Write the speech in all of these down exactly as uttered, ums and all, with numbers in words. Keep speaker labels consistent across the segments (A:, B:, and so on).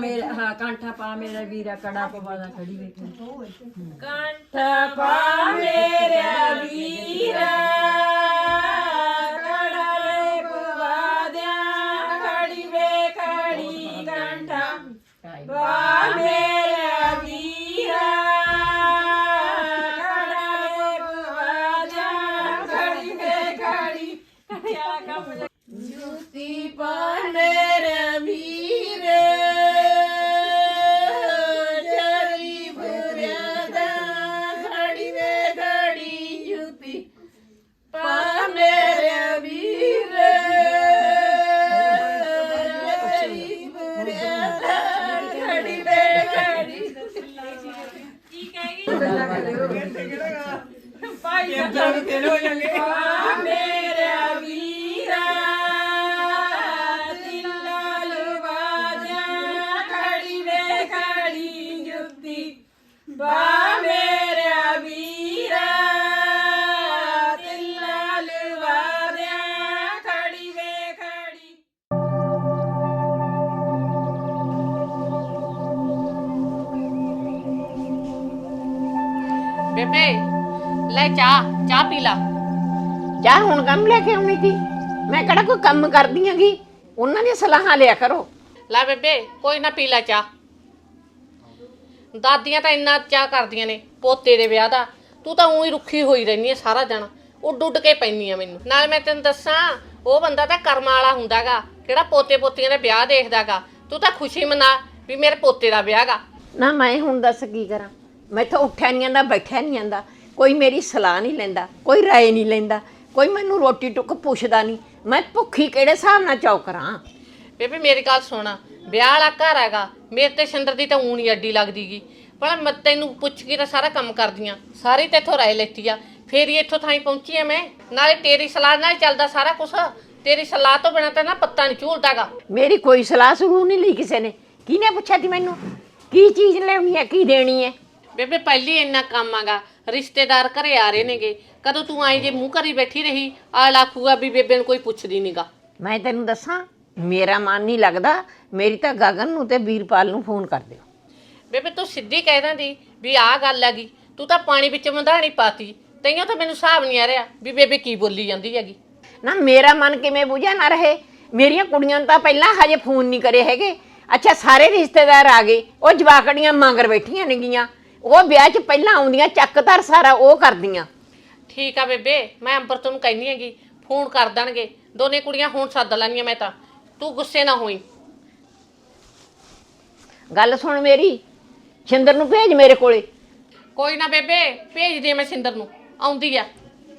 A: मेरा हाँ कांठा पा मेरा वीरा कड़ा पवा दा खड़ी बैठी कांठा पा मेरा वीरा कड़ा रे पवा दिया खड़ी वे खड़ी कांठा पा मेरा वीरा कड़ा रे पवा दिया खड़ी वे खड़ी क्या कम जूती पाने रे वीरे जरी भुरिया दा खड़ी वे खड़ी जूती पाने रे वीरे जरी भुरिया दा खड़ी वे खड़ी की कहेगी भाई जब तेरे हो जाएंगे मेरे वीरा बा मेरा वीरा तिल्ला लवा दिया खड़ी वे खड़ी
B: ਬੇਬੇ ਲੈ ਚਾਹ ਚਾਹ ਪੀ ਲਾ।
C: ਚਾਹ ਹੁਣ ਕੰਮ ਲੈ ਕੇ ਆਉਣੀ ਸੀ ਮੈਂ ਕਿਹੜਾ ਕੋਈ ਕੰਮ ਕਰਦੀ ਆਂਗੀ ਉਹਨਾਂ ਦੀਆਂ ਸਲਾਹਾਂ ਲਿਆ ਕਰੋ।
B: ਲੈ ਬੇਬੇ ਕੋਈ ਨਾ ਪੀ ਲੈ ਚਾਹ। ਦਾਦੀਆਂ ਤਾਂ ਇੰਨਾ ਚਾਹ ਕਰਦੀਆਂ ਨੇ ਪੋਤੇ ਦੇ ਵਿਆਹ ਦਾ, ਤੂੰ ਤਾਂ ਊਂ ਹੀ ਰੁੱਖੀ ਹੋਈ ਰਹਿੰਦੀ ਹੈ ਸਾਰਾ ਦਿਨ, ਉੱਡ ਉੱਡ ਕੇ ਪੈਂਦੀ ਆ ਮੈਨੂੰ। ਨਾਲ ਮੈਂ ਤੈਨੂੰ ਦੱਸਾਂ ਉਹ ਬੰਦਾ ਤਾਂ ਕਰਮਾਂ ਵਾਲਾ ਹੁੰਦਾਗਾ ਕਿਹੜਾ ਪੋਤੇ ਪੋਤੀਆਂ ਦੇ ਵਿਆਹ ਦੇਖਦਾਗਾ। ਤੂੰ ਤਾਂ ਖੁਸ਼ੀ ਮਨਾ ਵੀ ਮੇਰੇ ਪੋਤੇ ਦਾ ਵਿਆਹ ਗਾ।
C: ਨਾ ਮੈਂ ਹੁਣ ਦੱਸ ਕੀ ਕਰਾਂ, ਮੈਥੋਂ ਉੱਠਿਆ ਨਹੀਂ ਜਾਂਦਾ ਬੈਠਿਆ ਨਹੀਂ ਜਾਂਦਾ, ਕੋਈ ਮੇਰੀ ਸਲਾਹ ਨਹੀਂ ਲੈਂਦਾ, ਕੋਈ ਰਾਏ ਨਹੀਂ ਲੈਂਦਾ, ਕੋਈ ਮੈਨੂੰ ਰੋਟੀ ਟੁੱਕ ਪੁੱਛਦਾ ਨਹੀਂ। ਮੈਂ ਭੁੱਖੀ ਕਿਹੜੇ ਹਿਸਾਬ ਨਾਲ ਚੌ ਕਰਾਂ।
B: ਬੇਬੇ ਮੇਰੀ ਗੱਲ ਸੁਣ, ਵਿਆਹ ਵਾਲਾ ਘਰ ਹੈਗਾ, ਮੇਰੇ ਤੇ ਸਿੰਦਰ ਦੀ ਤਾਂ ਊਂ ਨਹੀਂ ਅੱਡੀ ਲੱਗਦੀਗੀ, ਪਰ ਮੈਂ ਤੈਨੂੰ ਪੁੱਛ ਕੇ ਤਾਂ ਸਾਰਾ ਕੰਮ ਕਰਦੀਆਂ, ਸਾਰੀ ਤੇਥੋਂ ਰਾਏ ਲੈਤੀ ਆ, ਫੇਰ ਹੀ ਇੱਥੋਂ ਥਾਈ ਪਹੁੰਚੀ ਆ ਮੈਂ। ਨਾਲੇ ਤੇਰੀ ਸਲਾਹ ਨਾਲ ਚੱਲਦਾ ਸਾਰਾ ਕੁਛ, ਤੇਰੀ ਸਲਾਹ ਤੋਂ ਬਿਨਾਂ ਤਾਂ ਨਾ ਪੱਤਾ ਨਹੀਂ ਝੂਲਦਾਗਾ।
C: ਮੇਰੀ ਕੋਈ ਸਲਾਹ ਸਲੂਹ ਨਹੀਂ ਲਈ ਕਿਸੇ ਨੇ। ਕਿਹਨੇ ਪੁੱਛਿਆ ਤੀ ਮੈਨੂੰ ਕੀ ਚੀਜ਼ ਲੈਣੀ ਹੈ ਕੀ ਦੇਣੀ ਹੈ?
B: ਬੇਬੇ ਪਹਿਲੀ ਇੰਨਾ ਕੰਮ ਆਗਾ, ਰਿਸ਼ਤੇਦਾਰ ਘਰੇ ਆ ਰਹੇ ਨੇਗੇ, ਕਦੋਂ ਤੂੰ ਆਈ ਜੇ ਮੂੰਹ ਕਰੀ ਬੈਠੀ ਰਹੀ ਆ ਲਾਖੂਗਾ ਵੀ ਬੇਬੇ ਨੂੰ ਕੋਈ ਪੁੱਛਦੀ ਨੀਗਾ।
C: ਮੈਂ ਤੈਨੂੰ ਦੱਸਾਂ ਮੇਰਾ ਮਨ ਨਹੀਂ ਲੱਗਦਾ, ਮੇਰੀ ਤਾਂ ਗਗਨ ਨੂੰ ਤੇ ਵੀਰਪਾਲ ਨੂੰ ਫੋਨ ਕਰ ਦਿਓ।
B: ਬੇਬੇ ਤੂੰ ਸਿੱਧੀ ਕਹਿ ਦਿੰਦੀ ਵੀ ਆਹ ਗੱਲ ਹੈਗੀ, ਤੂੰ ਤਾਂ ਪਾਣੀ ਵਿੱਚ ਮਧਾਣੀ ਪਾਤੀ, ਤਈਓ ਤਾਂ ਮੈਨੂੰ ਹਿਸਾਬ ਨਹੀਂ ਆ ਰਿਹਾ ਵੀ ਬੇਬੇ ਕੀ ਬੋਲੀ ਜਾਂਦੀ ਹੈਗੀ।
C: ਨਾ ਮੇਰਾ ਮਨ ਕਿਵੇਂ ਬੁਝਿਆ ਨਾ ਰਹੇ, ਮੇਰੀਆਂ ਕੁੜੀਆਂ ਨੂੰ ਤਾਂ ਪਹਿਲਾਂ ਹਜੇ ਫੋਨ ਨਹੀਂ ਕਰੇ ਹੈਗੇ। ਅੱਛਾ ਸਾਰੇ ਰਿਸ਼ਤੇਦਾਰ ਆ ਗਏ, ਉਹ ਜਵਾਕੜੀਆਂ ਮੰਗਰ ਬੈਠੀਆਂ ਨੇਗੀਆਂ, ਉਹ ਵਿਆਹ 'ਚ ਪਹਿਲਾਂ ਆਉਂਦੀਆਂ ਚੱਕ ਧਰ ਸਾਰਾ ਉਹ ਕਰਦੀਆਂ।
B: ਠੀਕ ਆ ਬੇਬੇ ਮੈਂ ਅੰਬਰਤ ਨੂੰ ਕਹਿੰਦੀ ਹੈਗੀ ਫੋਨ ਕਰ ਦੇਣਗੇ, ਦੋਨੇ ਕੁੜੀਆਂ ਹੁਣ ਸੱਦ ਲੈਣੀਆਂ ਮੈਂ ਤਾਂ, ਤੂੰ ਗੁੱਸੇ ਨਾ ਹੋਈ।
C: ਗੱਲ ਸੁਣ ਮੇਰੀ, ਛਿੰਦਰ ਨੂੰ ਭੇਜ ਮੇਰੇ ਕੋਲੇ।
B: ਕੋਈ ਨਾ ਬੇਬੇ ਭੇਜ ਦੇ ਮੈਂ ਸਿੰਦਰ ਨੂੰ, ਆਉਂਦੀ ਆ।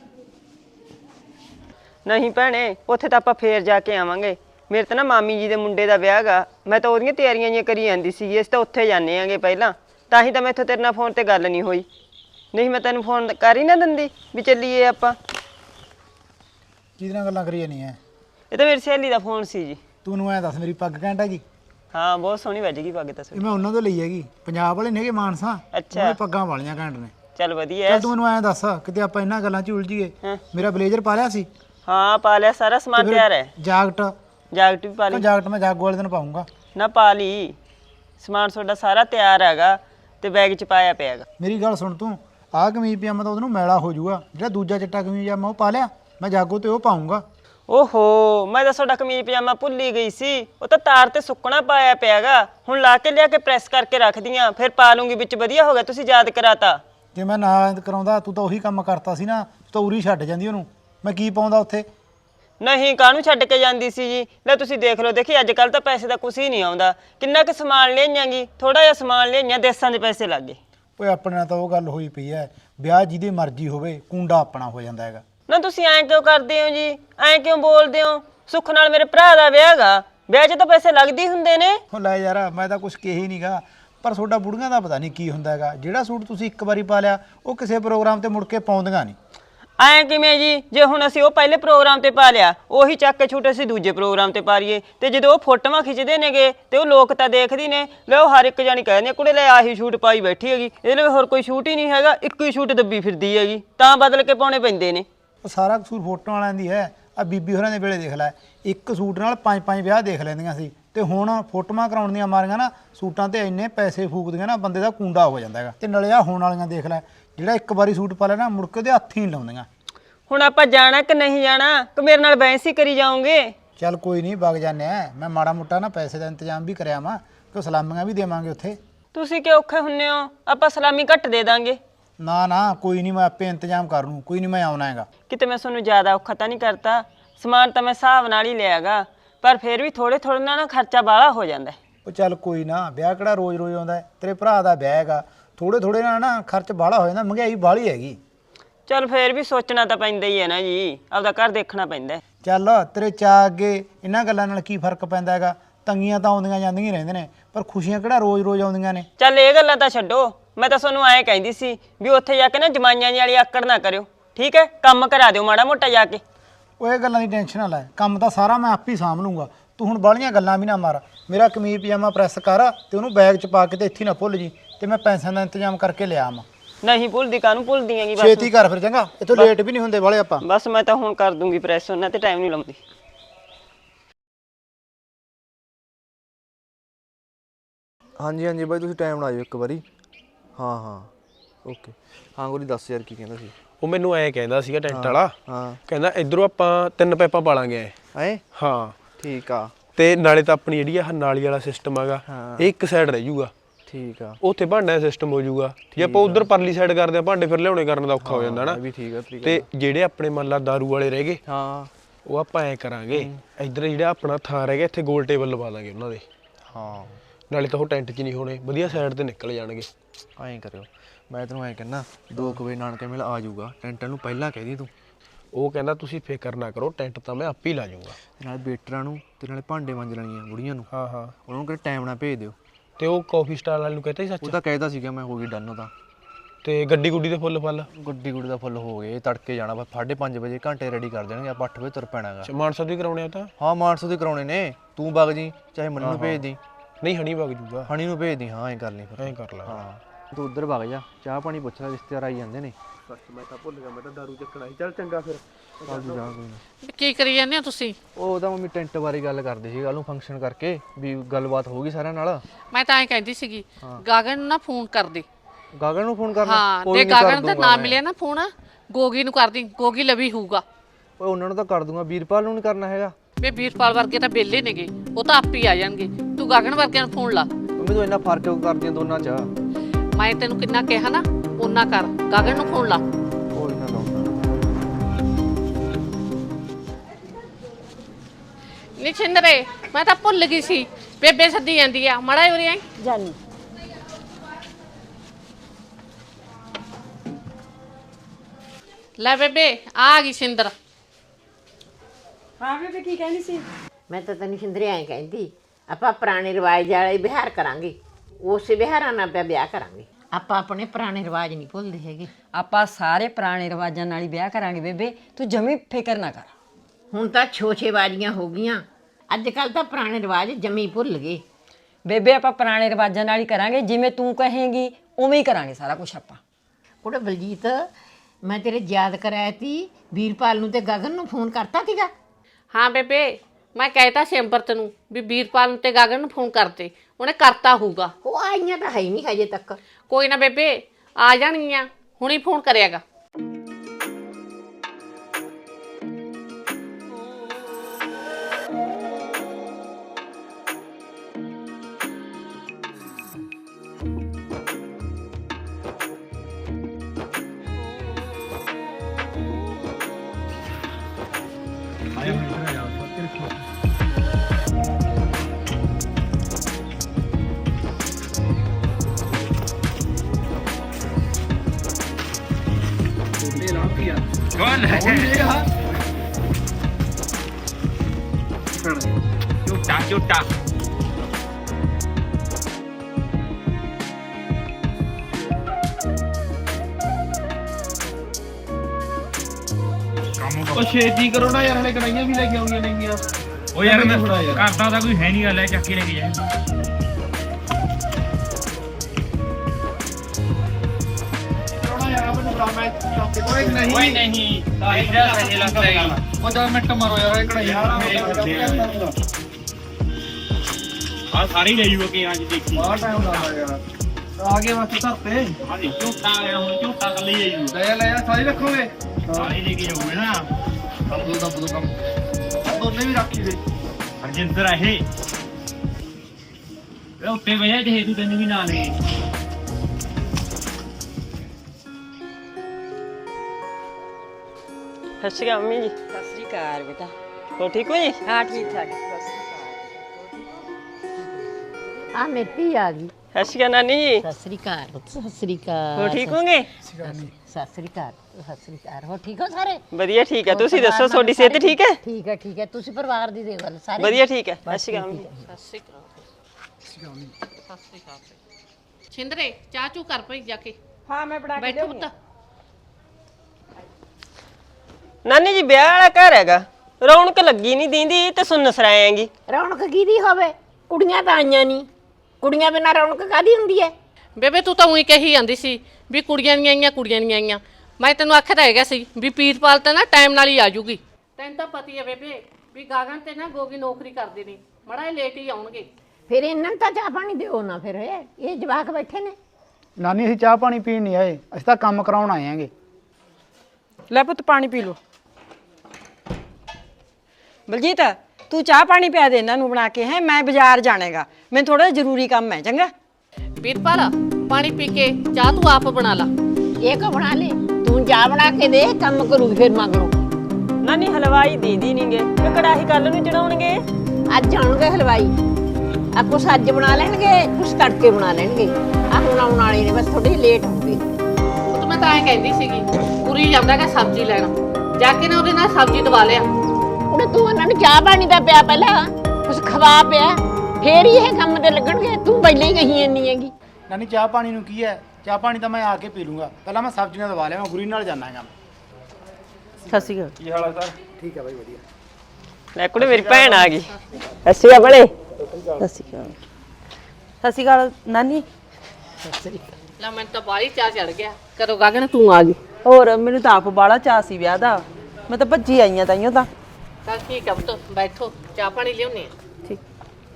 D: ਨਹੀਂ ਭੈਣੇ ਉੱਥੇ ਤਾਂ ਆਪਾਂ ਫੇਰ ਜਾ ਕੇ ਆਵਾਂਗੇ, ਮੇਰੇ ਤਾਂ ਨਾ ਮਾਮੀ ਜੀ ਦੇ ਮੁੰਡੇ ਦਾ ਵਿਆਹ ਗਾ, ਮੈਂ ਤਾਂ ਉਹਦੀਆਂ ਤਿਆਰੀਆਂ ਜਿਹੀਆਂ ਕਰੀ ਜਾਂਦੀ ਸੀ, ਅਸੀਂ ਤਾਂ ਉੱਥੇ ਜਾਂਦੇ ਆਂਗੇ ਪਹਿਲਾਂ, ਤਾਂ ਹੀ ਤਾਂ ਮੈਥੋਂ ਤੇਰੇ ਨਾਲ ਫੋਨ ਤੇ ਗੱਲ ਨਹੀਂ ਹੋਈ, ਨਹੀਂ ਮੈਂ ਤੈਨੂੰ ਫੋਨ ਕਰ ਹੀ ਨਾ ਦਿੰਦੀ ਵੀ ਚੱਲੀਏ ਆਪਾਂ।
E: ਕਿਹਦੇ ਨਾਲ ਗੱਲਾਂ ਕਰੀ ਜਾਨੀ ਐ?
D: ਇਹ ਤਾਂ ਮੇਰੀ ਸਹੇਲੀ ਦਾ ਫੋਨ ਸੀ ਜੀ।
E: ਤੂੰ ਨੂੰ ਐ ਦੱਸ ਮੇਰੀ ਪੱਗ ਘੈਂਟ ਹੈਗੀ?
D: ਹਾਂ ਬਹੁਤ ਸੋਹਣੀ ਵੱਜ ਗਈ ਪੱਗ ਤਾਂ।
E: ਇਹ ਮੈਂ ਉਹਨਾਂ ਤੋਂ ਲਈ ਹੈਗੀ, ਪੰਜਾਬ ਵਾਲੇ ਨੇਗੇ ਮਾਨਸਾ,
D: ਅੱਛਾ
E: ਪੱਗਾਂ ਵਾਲੀਆਂ ਘੈਂਟ ਨੇ।
D: ਚੱਲ ਵਧੀਆ।
E: ਚੱਲ ਤੂੰ ਮੈਨੂੰ ਐਂ ਦੱਸ ਕਿਤੇ ਆਪਾਂ ਇਹਨਾਂ ਗੱਲਾਂ 'ਚ ਉਲਝ ਗਏ। ਮੇਰਾ ਬਲੇਜ਼ਰ ਪਾ ਲਿਆ ਸੀ?
D: ਹਾਂ ਪਾ ਲਿਆ, ਸਾਰਾ ਸਮਾਨ ਤਿਆਰ ਹੈ।
E: ਜਾਕਟ?
D: ਜਾਕਟ ਵੀ ਪਾ ਲਈ।
E: ਜਾਕਟ ਮੈਂ ਜਾਗੋ ਵਾਲੇ ਦਿਨ ਪਾਉਂਗਾ।
D: ਨਾ ਪਾ ਲਈ, ਸਮਾਨ ਤੁਹਾਡਾ ਸਾਰਾ ਤਿਆਰ ਹੈਗਾ ਤੇ ਬੈਗ 'ਚ ਪਾਇਆ ਪਿਆ ਹੈਗਾ।
E: ਮੇਰੀ ਗੱਲ ਸੁਣ ਤੂੰ, ਆਹ ਕਮੀਜ਼ ਪਜਾਮਾ ਤਾਂ ਉਹਨੂੰ ਮੈਲਾ ਹੋ ਜਾਊਗਾ, ਜਿਹੜਾ ਦੂਜਾ ਚਿੱਟਾ ਕਮੀਜ਼ ਪਜਾਮਾ ਉਹ ਪਾ ਲਿਆ, ਮੈਂ ਜਾਗੋ ਤੇ ਉਹ ਪਾਉਂਗਾ।
D: ਓਹੋ ਮੈਂ ਤਾਂ ਤੁਹਾਡਾ ਕਮੀਜ਼ ਪਜਾਮਾ ਭੁੱਲ ਹੀ ਗਈ ਸੀ, ਉਹ ਤਾਂ ਤਾਰ ਤੇ ਸੁੱਕਣਾ ਪਾਇਆ ਪਿਆਗਾ, ਹੁਣ ਲਾ ਕੇ ਲਿਆ ਕੇ ਪ੍ਰੈਸ ਕਰਕੇ ਰੱਖਦੀਆਂ, ਫਿਰ ਪਾ ਲੂੰਗੀ ਵਿੱਚ। ਵਧੀਆ ਹੋ ਗਿਆ ਤੁਸੀਂ ਯਾਦ ਕਰਾਤਾ।
E: ਜੇ ਮੈਂ ਨਾ ਕਰਾਉਂਦਾ ਤੂੰ ਤਾਂ ਉਹੀ ਕੰਮ ਕਰਤਾ ਸੀ ਨਾ, ਤੂੰ ਤਾਂ ਉਰੀ ਛੱਡ ਜਾਂਦੀ ਉਹਨੂੰ, ਮੈਂ ਕੀ ਪਾਉਂਦਾ ਉੱਥੇ।
D: ਨਹੀਂ ਕਾਹਨੂੰ ਛੱਡ ਕੇ ਜਾਂਦੀ ਸੀ ਜੀ, ਲੈ ਤੁਸੀਂ ਦੇਖ ਲਓ, ਦੇਖੀ ਅੱਜ ਕੱਲ੍ਹ ਤਾਂ ਪੈਸੇ ਦਾ ਕੁਛ ਹੀ ਨਹੀਂ ਆਉਂਦਾ, ਕਿੰਨਾ ਕੁ ਸਮਾਨ ਲਿਆਈਆਂਗੀ, ਥੋੜਾ ਜਿਹਾ ਸਮਾਨ ਲਿਆਈਆਂ, ਦੇਸਾਂ ਦੇ ਪੈਸੇ ਲੱਗ ਗਏ।
E: ਓਏ ਆਪਣੇ ਨਾਲ ਤਾਂ ਉਹ ਗੱਲ ਹੋਈ ਪਈ ਐ, ਵਿਆਹ ਜਿਹਦੀ ਮਰਜ਼ੀ ਹੋਵੇ ਕੁੰਡਾ ਆਪਣਾ ਹੋ ਜਾਂਦਾ ਹੈਗਾ।
D: ਨਾ ਤੁਸੀਂ ਐਂ ਕਿਉਂ ਕਰਦੇ ਹੋ ਜੀ, ਐਂ ਕਿਉਂ ਬੋਲਦੇ ਹੋ? ਸੁੱਖ ਨਾਲ ਮੇਰੇ ਭਰਾ ਦਾ ਵਿਆਹ ਹੈਗਾ, ਵਿਆਹ 'ਚ ਤਾਂ ਪੈਸੇ ਲੱਗਦੇ ਹੁੰਦੇ ਨੇ।
E: ਉਹ ਲੈ ਯਾਰ ਮੈਂ ਤਾਂ ਕੁਛ ਕਿਹਾ ਹੀ ਨਹੀਂਗਾ, ਪਰ ਤੁਹਾਡਾ ਬੁੜੀਆਂ ਦਾ ਪਤਾ ਨਹੀਂ ਕੀ ਹੁੰਦਾ ਹੈਗਾ, ਜਿਹੜਾ ਸੂਟ ਤੁਸੀਂ ਇੱਕ ਵਾਰੀ ਪਾ ਲਿਆ ਉਹ ਕਿਸੇ ਪ੍ਰੋਗਰਾਮ ਤੇ ਮੁੜ ਕੇ ਪਾਉਂਦੀਆਂ ਨਹੀਂ।
D: ਐਂ ਕਿਵੇਂ ਜੀ, ਜੇ ਹੁਣ ਅਸੀਂ ਉਹ ਪਹਿਲੇ ਪ੍ਰੋਗਰਾਮ ਤੇ ਪਾ ਲਿਆ, ਉਹੀ ਚੱਕ ਕੇ ਛੂਟ ਅਸੀਂ ਦੂਜੇ ਪ੍ਰੋਗਰਾਮ ਤੇ ਪਾ ਲਈਏ, ਤੇ ਜਦੋਂ ਉਹ ਫੋਟੋਆਂ ਖਿੱਚਦੇ ਨੇਗੇ ਤੇ ਉਹ ਲੋਕ ਤਾਂ ਦੇਖਦੇ ਨੇ, ਲੈ ਉਹ ਹਰ ਇੱਕ ਜਾਣੀ ਕਹਿੰਦੇ ਕੁੜੇ ਲੈ ਆਹੀ ਸ਼ੂਟ ਪਾਈ ਬੈਠੀ ਹੈਗੀ, ਇਹਦੇ ਲਈ ਹੋਰ ਕੋਈ ਸ਼ੂਟ ਹੀ ਨਹੀਂ ਹੈਗਾ, ਇੱਕੋ ਹੀ ਸ਼ੂਟ ਦੱਬੀ ਫਿਰਦੀ ਹੈਗੀ, ਤਾਂ ਬਦਲ ਕੇ ਪਾਉਣੇ ਪੈਂਦੇ ਨੇ।
E: ਉਹ ਸਾਰਾ ਕਸੂਰ ਫੋਟੋਆਂ ਵਾਲਿਆਂ ਦੀ ਹੈ। ਆ ਬੀਬੀ ਹੋਰਾਂ ਦੇ ਵੇਲੇ ਦੇਖ ਲੈ, ਇੱਕ ਸੂਟ ਨਾਲ ਪੰਜ ਪੰਜ ਵਿਆਹ ਦੇਖ ਲੈਂਦੀਆਂ ਸੀ, ਤੇ ਹੁਣ ਫੋਟੋਆਂ ਕਰਾਉਣ ਦੀਆਂ ਮਾਰੀਆਂ ਨਾ ਸੂਟਾਂ ਤੇ ਇੰਨੇ ਪੈਸੇ ਫੂਕਦੀਆਂ ਨਾ ਬੰਦੇ ਦਾ ਕੁੰਡਾ ਹੋ ਜਾਂਦਾ ਹੈਗਾ। ਤੇ ਨਾਲੇ ਆ ਹੋਣ ਵਾਲੀਆਂ ਦੇਖ ਲੈ, ਜਿਹੜਾ ਇੱਕ ਵਾਰੀ ਸੂਟ ਪਾ ਲਿਆ ਨਾ ਮੁੜ ਕੇ ਉਹਦੇ ਹੱਥ ਹੀ ਨਹੀਂ ਲਾਉਂਦੀਆਂ।
D: ਹੁਣ ਆਪਾਂ ਜਾਣਾ ਕਿ ਨਹੀਂ ਜਾਣਾ ਕਿ ਮੇਰੇ ਨਾਲ ਬੈਂਸ ਹੀ ਕਰੀ ਜਾਓਗੇ?
E: ਚੱਲ ਕੋਈ ਨਹੀਂ ਵਗ ਜਾਂਦੇ ਆ, ਮੈਂ ਮਾੜਾ ਮੋਟਾ ਨਾ ਪੈਸੇ ਦਾ ਇੰਤਜ਼ਾਮ ਵੀ ਕਰਿਆ ਵਾ ਕਿ ਸਲਾਮੀਆਂ ਵੀ ਦੇਵਾਂਗੇ ਉੱਥੇ।
D: ਤੁਸੀਂ ਕਿ ਔਖੇ ਹੁੰਨੇ ਹੋ, ਆਪਾਂ ਸਲਾਮੀ ਘੱਟ ਦੇ ਦਾਂਗੇ।
E: ਨਾ ਨਾ ਕੋਈ ਨਹੀਂ, ਮੈਂ ਆਪੇ ਇੰਤਜ਼ਾਮ ਕਰ ਲੂੰ, ਕੋਈ ਨਹੀਂ ਮੈਂ ਆਉਣਾ ਹੈਗਾ।
D: ਕਿਤੇ ਮੈਂ ਤੁਹਾਨੂੰ ਜ਼ਿਆਦਾ ਔਖਾ ਤਾਂ ਨਹੀਂ ਕਰਤਾ, ਸਮਾਨ ਤਾਂ ਮੈਂ ਹਿਸਾਬ ਨਾਲ ਹੀ ਲਿਆਗਾ, ਪਰ ਫਿਰ ਵੀ ਥੋੜੇ ਥੋੜੇ ਨਾਲ ਨਾ ਖਰਚਾ ਬਾਹਲਾ ਹੋ ਜਾਂਦਾ।
E: ਉਹ ਚੱਲ ਕੋਈ ਨਾ, ਵਿਆਹ ਕਿਹੜਾ ਰੋਜ਼ ਰੋਜ਼ ਆਉਂਦਾ, ਤੇਰੇ ਭਰਾ ਦਾ ਵਿਆਹ ਹੈਗਾ, ਥੋੜੇ ਥੋੜੇ ਨਾਲ ਨਾ ਖਰਚ ਬਾਹਲਾ ਹੋ ਜਾਂਦਾ, ਮਹਿੰਗਾਈ ਬਾਹਲੀ ਹੈਗੀ।
D: ਚੱਲ ਫਿਰ ਵੀ ਸੋਚਣਾ ਤਾਂ ਪੈਂਦਾ ਹੀ ਹੈ ਨਾ ਜੀ, ਆਪਦਾ ਘਰ ਦੇਖਣਾ ਪੈਂਦਾ।
E: ਚੱਲ ਤੇਰੇ ਚਾਅ ਅੱਗੇ ਇਹਨਾਂ ਗੱਲਾਂ ਨਾਲ ਕੀ ਫਰਕ ਪੈਂਦਾ ਹੈਗਾ, ਤੰਗੀਆਂ ਤਾਂ ਆਉਂਦੀਆਂ ਜਾਂਦੀਆਂ ਰਹਿੰਦੇ ਨੇ, ਪਰ ਖੁਸ਼ੀਆਂ ਕਿਹੜਾ ਰੋਜ਼ ਰੋਜ਼ ਆਉਂਦੀਆਂ ਨੇ।
D: ਚੱਲ ਇਹ ਗੱਲਾਂ ਤਾਂ ਛੱਡੋ, ਮੈਂ ਤਾਂ ਤੁਹਾਨੂੰ ਐਂ ਕਹਿੰਦੀ ਸੀ ਵੀ ਉੱਥੇ ਜਾ ਕੇ ਨਾ ਜਮਾਈਆਂ ਜਿਹੀ ਵਾਲੀ ਆਕੜ ਨਾ ਕਰਿਓ, ਠੀਕ ਹੈ? ਕੰਮ ਕਰਾ ਦਿਓ ਮਾੜਾ ਮੋਟਾ ਜਾ ਕੇ।
E: ਉਹ ਇਹ ਗੱਲਾਂ ਦੀ ਟੈਨਸ਼ਨ ਨਾ ਲੈ, ਕੰਮ ਤਾਂ ਸਾਰਾ ਮੈਂ ਆਪ ਹੀ ਸਾਂਭ ਲੂੰਗਾ, ਤੂੰ ਹੁਣ ਬਾਹਲੀਆਂ ਗੱਲਾਂ ਵੀ ਨਾ ਮਾਰ। ਮੇਰਾ ਕਮੀਜ਼ ਪਜਾਮਾ ਪ੍ਰੈਸ ਕਰ ਤੇ ਉਹਨੂੰ ਬੈਗ 'ਚ ਪਾ ਕੇ ਤੇ ਇੱਥੇ ਨਾ ਭੁੱਲ ਜੀ, ਤੇ ਮੈਂ ਪੈਸਿਆਂ ਦਾ ਇੰਤਜ਼ਾਮ ਕਰਕੇ ਲਿਆ ਆਵਾਂ।
D: ਨਹੀਂ ਭੁੱਲਦੀ, ਕਾਹਨੂੰ ਭੁੱਲਦੀ ਹੈਗੀ?
E: ਛੇਤੀ ਕਰ ਫਿਰ ਚੰਗਾ, ਇੱਥੋਂ ਲੇਟ ਵੀ ਨਹੀਂ ਹੁੰਦੇ ਵਾਲੇ ਆਪਾਂ।
D: ਬਸ ਮੈਂ ਤਾਂ ਹੁਣ ਕਰ ਦੂੰਗੀ ਪ੍ਰੈਸ, ਉਹਨਾਂ ਤੇ ਟਾਈਮ ਨਹੀਂ ਲਾਉਂਦੀ।
F: ਹਾਂਜੀ ਹਾਂਜੀ ਬਾਈ, ਤੁਸੀਂ ਟਾਈਮ ਨਾਲ ਆਇਓ ਇੱਕ ਵਾਰੀ। ਹਾਂ ਹਾਂ ਓਕੇ। ਹਾਂ ਗੋਰੀ ਦੱਸ ਯਾਰ ਕੀ ਕਹਿੰਦਾ ਸੀ?
G: ਉਹ ਮੈਨੂੰ ਐਂ ਕਹਿੰਦਾ ਸੀਗਾ ਟੈਂਟ ਵਾਲਾ,
F: ਹਾਂ
G: ਕਹਿੰਦਾ ਇਧਰੋਂ ਆਪਾਂ ਤਿੰਨ ਪਾਈਪਾਂ ਪਾਲਾਂਗੇ ਐ।
F: ਐ
G: ਹਾਂ
F: ਠੀਕ ਆ।
G: ਤੇ ਨਾਲੇ ਤਾਂ ਆਪਣੀ ਜਿਹੜੀ ਆ ਨਾਲੀ ਵਾਲਾ ਸਿਸਟਮ ਹੈਗਾ ਇਹ ਇੱਕ ਸਾਈਡ ਰਹਿ ਜਾਊਗਾ।
F: ਠੀਕ ਆ,
G: ਉੱਥੇ ਭਾਂਡਿਆਂ ਦਾ ਸਿਸਟਮ ਹੋ ਜਾਊਗਾ। ਜੇ ਆਪਾਂ ਉਧਰ ਪਰਲੀ ਸਾਈਡ ਕਰਦੇ ਆ ਭਾਂਡੇ ਫਿਰ ਲਿਆਉਣੇ ਕਰਨ ਦਾ ਔਖਾ ਹੋ ਜਾਂਦਾ ਨਾ।
F: ਵੀ ਠੀਕ ਆ ਠੀਕ ਆ।
G: ਤੇ ਜਿਹੜੇ ਆਪਣੇ ਮੰਨ ਲਾ ਦਾਰੂ ਵਾਲੇ ਰਹਿ ਗਏ,
F: ਹਾਂ
G: ਉਹ ਆਪਾਂ ਐਂ ਕਰਾਂਗੇ, ਇੱਧਰ ਜਿਹੜਾ ਆਪਣਾ ਥਾਂ ਰਹਿ ਗਿਆ ਇੱਥੇ ਗੋਲ ਟੇਬਲ ਲਵਾ ਦਾਂਗੇ ਉਹਨਾਂ ਦੇ।
F: ਹਾਂ
G: ਨਾਲੇ ਤਾਂ ਉਹ ਟੈਂਟ 'ਚ ਨਹੀਂ ਹੋਣੇ, ਵਧੀਆ ਸਾਈਡ ਤੇ ਨਿਕਲ ਜਾਣਗੇ।
F: ਐਂ ਕਰਿਓ, ਮੈਂ ਤੈਨੂੰ ਐਂ ਕਹਿੰਦਾ ਦੋ ਕੁ ਵਜੇ ਨਾਨਕੇ ਮੇਲ ਆ ਜਾਊਗਾ, ਟੈਂਟਾਂ ਨੂੰ ਪਹਿਲਾਂ ਕਹਿ ਦੀ ਤੂੰ।
G: ਉਹ ਕਹਿੰਦਾ ਤੁਸੀਂ ਫਿਕਰ ਨਾ ਕਰੋ, ਟੈਂਟ ਤਾਂ ਮੈਂ ਆਪੇ ਹੀ ਲਾ ਜਾਊਂਗਾ।
F: ਨਾਲ ਵੇਟਰਾਂ ਨੂੰ ਤੇ ਨਾਲੇ ਭਾਂਡੇ ਮਾਂਜ ਲੈਣੀਆਂ ਬੁੜੀਆਂ ਨੂੰ।
G: ਹਾਂ ਹਾਂ
F: ਉਹਨਾਂ ਨੂੰ ਕਿਹੜਾ ਟਾਈਮ ਨਾਲ ਭੇਜ ਦਿਓ।
G: ਤੇ ਉਹ ਕਾਫੀ ਸਟਾਲ ਵਾਲੇ ਨੂੰ ਕਹਿੰਦਾ ਸੀ
F: ਉਹ
G: ਸੱਚ?
F: ਤਾਂ ਕਹਿਦਾ ਸੀਗਾ ਮੈਂ, ਹੋ ਗਈ ਡਨ ਉਹਦਾ।
G: ਤੇ ਗੱਡੀ ਗੁੱਡੀ ਦੇ ਫੁੱਲ ਫੱਲ?
F: ਗੱਡੀ ਗੁੱਡੀ ਦਾ ਫੁੱਲ ਹੋ ਗਏ, ਤੜਕੇ ਜਾਣਾ ਬਸ ਸਾਢੇ ਪੰਜ ਵਜੇ, ਘੰਟੇ ਰੈਡੀ ਕਰ ਦੇਣਗੇ, ਆਪਾਂ ਅੱਠ ਵਜੇ ਤੁਰ ਪੈਣਾਗਾ।
G: ਮਾਨਸਾ ਦੀ ਕਰਾਉਣੇ ਆ ਤਾਂ?
F: ਹਾਂ ਮਾਨਸੂ ਦੇ ਕਰਾਉਣੇ ਨੇ, ਤੂੰ ਵਗ ਜੀ ਚਾਹੇ ਮੰਨੂ ਨੂੰ ਭੇਜ ਦੀ।
G: ਨਹੀਂ ਹਣੀ ਵਗ ਜੂਗਾ।
F: ਹਣੀ ਨੂੰ ਭੇਜ ਦੀ, ਹਾਂ ਐਂ ਕਰ ਲਈ ਫਿਰ।
G: ਐਂ ਕਰ ਲਾ।
F: ਹਾਂ ਤੂੰ ਉੱਧਰ ਵਗ ਜਾ, ਚਾਹ ਪਾਣੀ ਪੁੱਛ ਲੈ, ਰਿਸ਼ਤੇਦਾਰ ਆਈ ਜਾਂਦੇ ਨੇ।
G: ਮੈਂ ਤਾਂ ਭੁੱਲ ਗਿਆ, ਮੈਂ ਤਾਂ ਦਾਰੂ ਚੱਕਣਾ ਸੀ। ਚੱਲ ਚੰਗਾ ਫਿਰ।
F: ਚੱਲ ਤੂੰ ਜਾ ਕੋਈ ਨਾ।
B: ਕੀ ਕਰੀ ਜਾਂਦੇ ਹੋ ਤੁਸੀਂ?
F: ਉਹ ਉਹਦਾ ਮੰਮੀ ਟੈਂਟ ਬਾਰੇ ਗੱਲ ਕਰਦੀ ਸੀ, ਕੱਲ ਨੂੰ ਫੰਕਸ਼ਨ ਕਰਕੇ ਵੀ ਗੱਲਬਾਤ ਹੋਊਗੀ ਸਾਰਿਆਂ ਨਾਲ।
B: ਮੈਂ ਤਾਂ ਐਂ ਕਹਿੰਦੀ ਸੀਗੀ ਗਾਗਨ ਨੂੰ ਨਾ ਫੋਨ ਕਰ ਦੇ।
F: ਗਾਗਨ ਨੂੰ ਫੋਨ ਕਰਨਾ?
B: ਹਾਂ,
F: ਕੋਈ
B: ਤੇ
F: ਨੀ, ਕਰ
B: ਗਾਗਨ ਦਾ
F: ਦੂੰਗਾ
B: ਨਾਮ
F: ਮੈਂ।
B: ਮਿਲਿਆ ਨਾ ਫੋਨ, ਗੋਗੀ ਨੂੰ ਕਰ ਦੀ, ਗੋਗੀ ਲਵੀ ਹੋਊਗਾ।
F: ਓਏ ਉਹਨਾਂ ਨੂੰ ਤਾਂ ਕਰ ਦੂੰਗਾ, ਵੀਰਪਾਲ ਨੂੰ ਨਹੀਂ ਕਰਨਾ ਹੈਗਾ।
B: ਵੇ ਵੀਰਪਾਲ ਵਰਗੇ ਤਾਂ ਬੇਲੇ ਨੇਗੇ, ਉਹ ਤਾਂ ਆਪੇ ਹੀ ਆ ਜਾਣਗੇ। ਤੂੰ ਗਾਗਨ ਵਰਗਿਆਂ ਨੂੰ ਫੋਨ ਲਾ।
F: ਮੰਮੀ ਤੂੰ ਇੰਨਾ ਫਰਕ ਕਿਉਂ ਕਰਦੀਆਂ ਦੋਨਾਂ 'ਚ?
B: ਮੈਂ ਤੈਨੂੰ ਕਿੰਨਾ ਕਿਹਾ ਨਾ, ਓਨਾ ਕਰ। ਗਾਗਨ ਨੂੰ ਫੋਨ ਲਾ।
F: ਕੋਈ ਨਾ ਲਾਉਂਦਾ।
B: ਨੀ ਛਿੰਦਰੇ, ਮੈਂ ਤਾਂ ਭੁੱਲ ਗਈ ਸੀ, ਬੇਬੇ ਸੱਦੀ ਜਾਂਦੀ ਆ, ਮੜਾ ਉਰੇ ਆਈ।
A: ਜਾਨੀ
B: ਲੈ ਬੇਬੇ ਆ ਗਈ ਸਿੰਦਰ।
A: ਹਾਂ ਬੇਬੇ ਕੀ ਕਹਿੰਦੀ ਸੀ?
C: ਮੈਂ ਤਾਂ ਤੈਨੂੰ ਸਿੰਦਰੇ ਐਂ ਕਹਿੰਦੀ, ਆਪਾਂ ਪੁਰਾਣੇ ਰਿਵਾਜ ਵਾਲੇ ਵਿਹਾਰ ਕਰਾਂਗੇ, ਉਸੇ ਵਿਹਾਰਾਂ ਨਾਲ ਆਪਾਂ ਵਿਆਹ ਕਰਾਂਗੇ। ਆਪਾਂ ਆਪਣੇ ਪੁਰਾਣੇ ਰਿਵਾਜ ਨਹੀਂ ਭੁੱਲਦੇ ਹੈਗੇ।
A: ਆਪਾਂ ਸਾਰੇ ਪੁਰਾਣੇ ਰਿਵਾਜਾਂ ਨਾਲ ਹੀ ਵਿਆਹ ਕਰਾਂਗੇ ਬੇਬੇ, ਤੂੰ ਜਮੀ ਫਿਕਰ ਨਾ ਕਰ।
C: ਹੁਣ ਤਾਂ ਛੋਛੇਬਾਜ਼ੀਆਂ ਹੋ ਗਈਆਂ, ਅੱਜ ਕੱਲ ਤਾਂ ਪੁਰਾਣੇ ਰਿਵਾਜ ਜਮੀ ਭੁੱਲ ਗਏ।
A: ਬੇਬੇ ਆਪਾਂ ਪੁਰਾਣੇ ਰਿਵਾਜਾਂ ਨਾਲ ਹੀ ਕਰਾਂਗੇ, ਜਿਵੇਂ ਤੂੰ ਕਹੇਂਗੀ ਉਵੇਂ ਹੀ ਕਰਾਂਗੇ ਸਾਰਾ ਕੁਝ ਆਪਾਂ।
C: ਕੁੜੇ ਬਲਜੀਤ, ਮੈਂ ਤੇਰੇ ਯਾਦ ਕਰਾਇਆ ਤੀ ਵੀਰਪਾਲ ਨੂੰ ਤੇ ਗਗਨ ਨੂੰ ਫੋਨ ਕਰਤਾ ਸੀਗਾ।
B: ਹਾਂ ਬੇਬੇ, ਮੈਂ ਕਹਿਤਾ ਸੀ ਅੰਬਰਤ ਨੂੰ ਵੀ ਵੀਰਪਾਲ ਨੂੰ ਤੇ ਗਾਗਨ ਨੂੰ ਫੋਨ ਕਰਦੇ, ਉਹਨੇ ਕਰਤਾ ਹੋਊਗਾ।
C: ਉਹ ਆਈਆਂ ਤਾਂ ਹੈ ਹੀ ਨਹੀਂ ਹਜੇ ਤੱਕ।
B: ਕੋਈ ਨਾ ਬੇਬੇ, ਆ ਜਾਣਗੀਆਂ, ਹੁਣੀ ਫੋਨ ਕਰਿਆਗਾ।
H: ਝੂਟਾ ਝੂਟਾ
I: ਉਹ ਛੇਤੀ ਕਰੋ ਨਾ ਯਾਰ, ਹਲੇ ਕੜਾਈਆਂ ਵੀ ਲੈ ਕੇ ਆਉਣੀਆਂ ਨੇਗੀਆਂ।
H: ਉਹ ਯਾਰ ਮੈਂ ਕਰਦਾ ਤਾਂ ਕੋਈ ਹੈ ਨਹੀਂ, ਗੱਲ ਹੈ ਚੱਕ ਕੇ ਲੈ ਕੇ ਜਾਏ।
I: ਕਰੋਣਾ ਯਾਰ, ਮੈਨੂੰ ਬੁਲਾ, ਮੈਂ ਚੱਕ ਕੇ- ਓਏ ਨਹੀਂ
H: ਓਏ ਨਹੀਂ ਇੱਧਰ ਸਹੀ ਲੱਗਦਾ ਹੈ।
I: ਉਹ ਦਸ ਮਿੰਟ ਮਾਰੋ ਯਾਰ, ਇਹ ਕੜਾਈਆਂ
H: ਆ ਸਾਰੇ ਹੀ ਲੈ ਜੂਗਾ ਕਿ ਅੱਜ ਦੇਖੀ
I: ਬਾਹਰ ਟਾਈਮ ਲਾਉਂਦਾ ਯਾਰ ਆ ਗਏ ਵਾਸਤੇ ਧਰਤੇ
H: ਹਾਂ ਜੀ ਝੋਟਾ ਆ ਗਿਆ ਹੁਣ ਝੋਟਾ ਕੱਲੇ ਹੀ ਲੈ ਜੂ
I: ਲੈ ਲੈ ਸਾਰੀ ਰੱਖੋਗੇ
H: ਸਾਰੇ ਲੈ ਕੇ ਜਾਊਗੇ ਨਾ
I: ਕੰਮ ਦੋ ਕੰਮ ਦੋ ਕੰਮ ਆਹ ਦੋਨੇ ਵੀ ਰੱਖੀ ਦੇ
H: ਹਰਜਿੰਦਰ ਆ ਇਹ ਇਹ ਉੱਤੇ ਵਜਾ ਜੇ ਤੂੰ ਤੈਨੂੰ ਵੀ ਨਾਲ ਲੈ
D: ਸਤਿ ਸ਼੍ਰੀ ਅਕਾਲ ਮੰਮੀ ਜੀ।
C: ਸਤਿ ਸ੍ਰੀ ਅਕਾਲ ਬੇਟਾ।
D: ਹੋ ਠੀਕ ਹੋ ਜੀ?
C: ਹਾਂ ਠੀਕ ਠਾਕ। ਆ ਮੇਰੀ ਧੀ ਆ ਗਈ।
D: ਸਤਿ ਸ਼੍ਰੀ ਅਕਾਲ ਨਾਨੀ ਜੀ।
C: ਸਤਿ ਸ੍ਰੀ ਅਕਾਲ ਸਤਿ ਸ੍ਰੀ ਅਕਾਲ।
D: ਹੋ ਠੀਕ ਹੋਗੇ?
C: ਸਤਿ ਸ੍ਰੀ ਅਕਾਲ ਸਤਿ ਸ੍ਰੀ ਅਕਾਲ। ਹੋ ਠੀਕ ਹੋ ਸਾਰੇ?
D: ਵਧੀਆ ਠੀਕ ਹੈ। ਤੁਸੀਂ ਦੱਸੋ ਤੁਹਾਡੀ ਸਿਹਤ ਠੀਕ ਹੈ?
C: ਠੀਕ ਹੈ ਠੀਕ ਹੈ। ਤੁਸੀਂ ਪਰਿਵਾਰ ਦੀ ਦੇ ਗੱਲ ਸਾਰੇ
D: ਵਧੀਆ ਠੀਕ ਹੈ। ਸਤਿ ਸ਼੍ਰੀ ਅਕਾਲ ਮੰਮੀ।
B: ਸਤਿ ਸ਼੍ਰੀ ਅਕਾਲ ਸਤਿ ਸ਼੍ਰੀ ਅਕਾਲ ਛਿੰਦਰੇ ਚਾਹ ਚੂ ਕਰ ਪਈ ਜਾ ਕੇ।
C: ਹਾਂ ਮੈਂ ਬਣਾ
B: ਬੈਠੋ ਪੁੱਤ।
D: ਨਾਨੀ ਜੀ ਵਿਆਹ ਵਾਲਾ ਘਰ ਹੈਗਾ, ਰੌਣਕ ਲੱਗੀ ਨਹੀਂ ਦਿੰਦੀ ਤੇ ਸੁੰਨ ਸਰਾਏਂਗੀ।
C: ਰੌਣਕ ਕਿਹਦੀ ਹੋਵੇ? ਕੁੜੀਆਂ ਤਾਂ ਆਈਆਂ ਨਹੀਂ। ਕੁੜੀਆਂ ਬਿਨਾਂ ਰੌਣਕ ਕਾਦੀ ਹੁੰਦੀ ਹੈ?
B: ਬੇਬੇ ਤੂੰ ਤਾਂ ਉਹੀ ਕਹੀ ਜਾਂਦੀ ਸੀ ਵੀ ਕੁੜੀਆਂ ਨਹੀਂ ਆਈਆਂ ਕੁੜੀਆਂ ਨਹੀਂ ਆਈਆਂ। ਮੈਂ ਤੈਨੂੰ ਆਖਿਆ ਤਾਂ ਹੈਗਾ ਸੀ ਵੀ ਪੀਰਪਾਲ ਤਾਂ ਨਾ ਟਾਈਮ ਨਾਲ ਹੀ ਆ ਜੂਗੀ। ਤੈਨੂੰ ਤਾਂ ਪਤੀ ਹੈ ਬੇਬੇ ਵੀ ਗਾਗਨ ਤੇ ਨਾ ਗੋਗੀ ਨੌਕਰੀ ਕਰਦੇ ਨੇ, ਮੜਾ ਲੇਟ ਹੀ ਆਉਣਗੇ।
C: ਫਿਰ ਇਹਨਾਂ ਨੂੰ ਤਾਂ ਚਾਹ ਪਾਣੀ ਦਿਓ ਨਾ। ਫਿਰ ਇਹ ਜਵਾਕ ਬੈਠੇ ਨੇ।
E: ਨਾਨੀ ਅਸੀਂ ਚਾਹ ਪਾਣੀ ਪੀਣ ਨਹੀਂ ਆਏ, ਅਸੀਂ ਤਾਂ ਕੰਮ ਕਰਾਉਣ ਆਏ ਆਂਗੇ।
J: ਲੈ ਪੁੱਤ ਪਾਣੀ ਪੀ ਲੋ। ਬਲਜੀਤ ਤੂੰ ਚਾਹ ਪਾਣੀ ਪਿਆ ਦੇ ਇਹਨਾਂ ਨੂੰ ਬਣਾ ਕੇ। ਹੈ ਮੈਂ ਬਾਜ਼ਾਰ ਜਾਣੇਗਾ, ਮੈਨੂੰ ਥੋੜਾ ਜ਼ਰੂਰੀ ਕੰਮ ਹੈ। ਚੰਗਾ
B: ਪੀਰਪਾਲ ਪਾਣੀ ਪੀ ਕੇ ਚਾਹ ਤੂੰ ਆਪ ਬਣਾ ਲਾ।
C: ਇਹ ਕੋ ਬਣਾ ਲੈ ਤੂੰ ਚਾਹ ਬਣਾ ਕੇ ਦੇ, ਕੰਮ ਕਰੂਗੀ ਫਿਰ ਮਗਰੋਂ।
D: ਨਾਨੀ ਹਲਵਾਈ ਦੀਦੀ ਨਹੀਂਗੇ ਤੇ ਕੜਾਹੀ ਕੱਲ ਨੂੰ ਚੜਾਉਣਗੇ।
C: ਅੱਜ ਆਉਣਗੇ ਹਲਵਾਈ। ਆ ਕੁਛ ਅੱਜ ਬਣਾ ਲੈਣਗੇ, ਕੁਛ ਤੜਕੇ ਬਣਾ ਲੈਣਗੇ। ਆ ਹੁਣ ਆਉਣ ਵਾਲੇ ਨੇ, ਬਸ ਥੋੜੀ ਲੇਟ ਹੋ ਗਏ।
B: ਉਹ ਤਾਂ ਮੈਂ ਤਾਂ ਐਂ ਕਹਿੰਦੀ ਸੀਗੀ ਪੂਰੀ ਜਾਂਦਾ ਕਿ ਸਬਜ਼ੀ ਲੈਣਾ, ਜਾ ਕੇ ਨਾ ਉਹਦੇ ਨਾਲ ਸਬਜ਼ੀ ਦਵਾ ਲਿਆ।
C: ਹੁਣ ਤੂੰ ਉਹਨਾਂ ਨੂੰ ਚਾਹ ਪਾਣੀ ਦਾ ਪਿਆ ਪਹਿਲਾਂ, ਕੁਛ ਖਵਾ ਪਿਆ, ਫੇਰ ਹੀ ਇਹ ਕੰਮ ਤੇ ਲੱਗਣਗੇ। ਤੂੰ ਪਹਿਲਾਂ ਹੀ ਕਹੀ ਇੰਨੀ ਹੈਗੀ।
E: ਨਾਨੀ ਚਾਹ ਪਾਣੀ ਨੂੰ ਕੀ ਹੈ? ਚਾਹ ਪਾਣੀ ਤਾਂ ਮੈਂ ਆ ਕੇ ਪੀ ਲੂੰਗਾ, ਪਹਿਲਾਂ ਮੈਂ ਸਬਜ਼ੀਆਂ ਦਵਾ ਲਿਆ। ਮੈਂ ਗੁਰੀ ਨਾਲ ਜਾਣਾ ਹੈਗਾ।
J: ਸਤਿ ਸ਼੍ਰੀ ਅਕਾਲ।
I: ਕੀ ਹਾਲ ਹੈ ਸਰ?
E: ਠੀਕ ਹੈ ਬਾਈ ਵਧੀਆ।
D: ਲੈ ਕੁੜੇ ਮੇਰੀ ਭੈਣ ਆ ਗਈ। ਸਤਿ ਸ਼੍ਰੀ ਅਕਾਲ ਬੜੇ।
J: ਸਤਿ ਸ਼੍ਰੀ ਅਕਾਲ। ਸਤਿ ਸ਼੍ਰੀ ਅਕਾਲ ਨਾਨੀ।
B: ਲੈ ਮੈਨੂੰ ਤਾਂ ਬਾਹਲੀ ਚਾਹ ਚੜ ਗਿਆ, ਕਦੋਂ ਗਾਗਨ ਤੂੰ ਆ ਗਈ।
J: ਹੋਰ ਮੈਨੂੰ ਤਾਂ ਆਪ ਬਾਲਾ ਚਾਅ ਸੀ ਵਿਆਹ ਦਾ, ਮੈਂ ਤਾਂ ਭੱਜੀ ਆਈਆਂ ਤਾਈਓ ਤਾਂ।
B: ਚੱਲ ਠੀਕ ਆ ਪੁੱਤ ਬੈਠੋ, ਚਾਹ ਪਾਣੀ ਲਿਆਉਣੀ ਆ।
J: ਠੀਕ।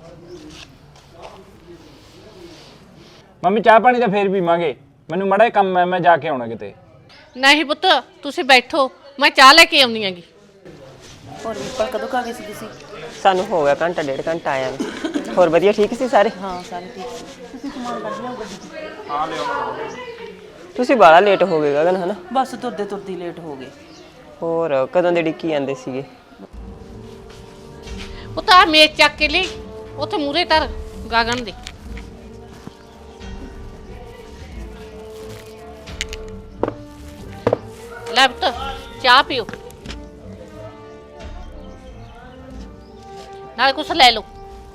I: ਮੰਮੀ ਚਾਹ ਪਾਣੀ ਤਾਂ ਫੇਰ ਪੀਵਾਂਗੇ, ਮੈਨੂੰ ਮੜਾ ਕੰਮ ਹੈ, ਮੈਂ ਜਾ ਕੇ ਆਉਣਾ ਕਿਤੇ।
B: ਨਹੀਂ ਪੁੱਤ ਤੁਸੀਂ ਬੈਠੋ, ਮੈਂ ਚਾਹ ਲੈ ਕੇ ਆਉਣੀ ਹੈਗੀ।
J: ਹੋਰ ਵੀਪਾ ਕਦੋਂ ਕਾ ਗਏ ਸੀ ਤੁਸੀਂ?
D: ਸਾਨੂੰ ਹੋ ਗਿਆ ਘੰਟਾ ਡੇਢ ਘੰਟਾ ਆਇਆ ਨੂੰ। ਹੋਰ ਵਧੀਆ ਠੀਕ ਸੀ ਸਾਰੇ?
J: ਹਾਂ ਸਾਰੇ ਠੀਕ। ਤੁਸੀਂ ਸਮਾਨ ਕੱਢ ਲਿਆਓ ਗੱਡੀ 'ਚ।
I: ਹਾਂ ਲਿਓ।
D: ਤੁਸੀਂ ਬਾਹਲਾ ਲੇਟ ਹੋ ਗਏ ਗਗਨ ਹਨਾ?
J: ਬਸ ਤੁਰਦੇ ਤੁਰਦੇ ਲੇਟ ਹੋ ਗਏ।
D: ਹੋਰ ਕਦੋਂ ਦੇ ਡਿੱਕੀ ਜਾਂਦੇ ਸੀਗੇ?
B: ਉਹ ਤਾਂ ਮੇਜ਼ ਚੱਕ ਕੇ ਲਈ ਉੱਥੇ ਮੂਰੇ ਧਰ ਗਾਗਨ ਦੇ। ਲੈ ਪੁੱਤ ਚਾਹ ਪੀਓ, ਨਾਲ ਕੁਛ ਲੈ ਲਓ।